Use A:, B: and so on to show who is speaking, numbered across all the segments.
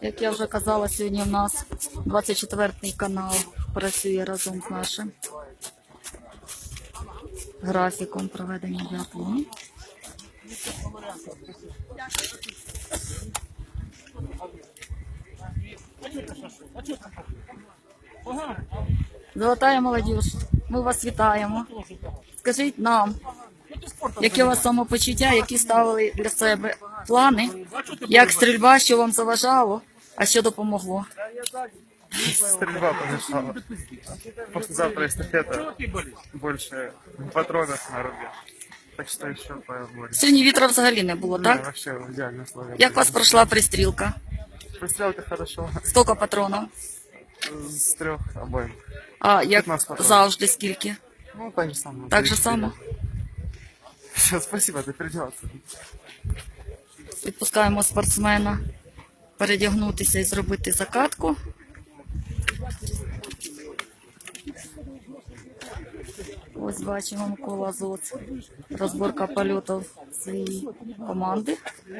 A: Як я вже казала, сьогодні у нас 24-й канал працює разом з нашим графіком проведення біатлону. Золотая молодіж, ми вас вітаємо. Скажіть нам, яке у вас самопочуття, які ставили для себе плани, як стрільба, що вам заважало, а що допомогло?
B: Стрельба помешала. Послезавтра эстафета. Больше патронов на рубеж. Так что еще побольше.
A: Сьогодні вітра взагалі не було,
B: Да,
A: так?
B: вообще идеально условия.
A: Як у вас пройшла пристрілка?
B: Пристрелка хорошо.
A: Скільки патронів?
B: С 3 обоим.
A: А як
B: 15 патронів.
A: завжди скільки?
B: Ну, так же самое.
A: Так же само?
B: Все, спасибо, ты придется.
A: Відпускаємо спортсмена передягнутися і зробити закатку. Ось бачимо Микола Зоц. Розборка польотів своєї команди.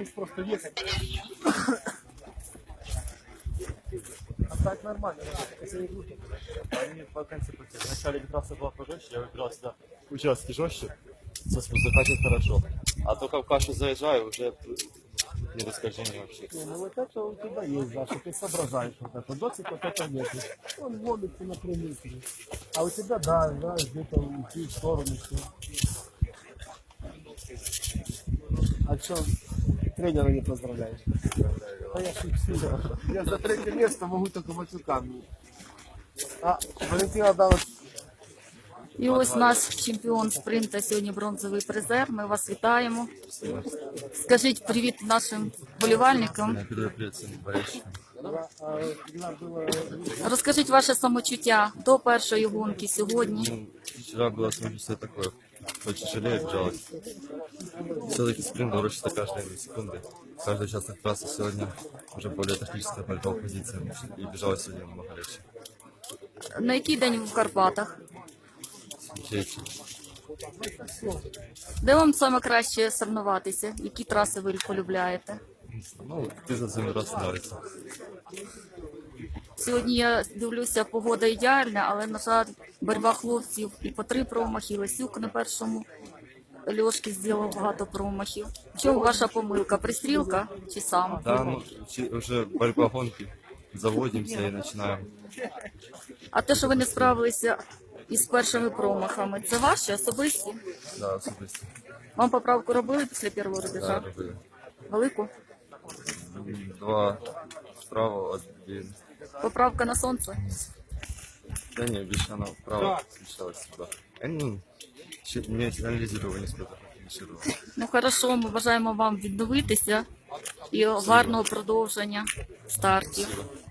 C: Так нормально, это не глупо. Они по конце пути. Вначале трасса была пожестче, я выбирал всегда участки жестче, закачивать хорошо. А только в кашу заезжаю, уже не расскажение вообще.
D: Ну вот это у тебя есть, да, что ты соображаешь вот это. Доцик вот это нет. Он ловится на прямителе. А у тебя, да, знаешь, где-то уйти в сторону. Все. А что, тренера не поздравляешь? А я шучу. Я за третье место могу только матюками. А Валентина дала...
A: І ось наш чемпіон спринта, сьогодні бронзовий призер. Ми вас вітаємо. Скажіть привіт нашим болівальникам. Розкажіть ваше самочуття до першої гонки сьогодні.
E: Вчера было самочувствие такое, очень жалею, жалость. Все-таки спринт дорожится каждые секунды. Каждый участок трассы сегодня уже более тактическая борьба в позициях. И бежала сегодня намного легче.
A: На який день ви в Карпатах?
E: Третий.
A: Де вам саме краще соревнуватися? Які траси ви полюбляєте?
E: Ну, ты за своим раз нравится.
A: Сьогодні я дивлюся, погода ідеальна, але, на жаль, боротьба хлопців і по 3 промахи. Лесюк на першому Льошки зробив багато промахів. В чому ваша помилка? Пристрілка чи сам?
E: Да, ну, уже борьба гонки. Заводимся и начинаем.
A: А те, що ви не справилися із першими промахами, це ваші особисті?
E: Да, особисто.
A: Вам поправку робили після першого рубежа?
E: Да, робили.
A: Велику?
E: 2 справа, 1.
A: Поправка на сонце?
E: Да не, більше она вправо смещалась сюда. Ну, не анализировал, не сколько финишировал.
A: Ну, хорошо, ми бажаємо вам відновитися і гарного продовження стартів.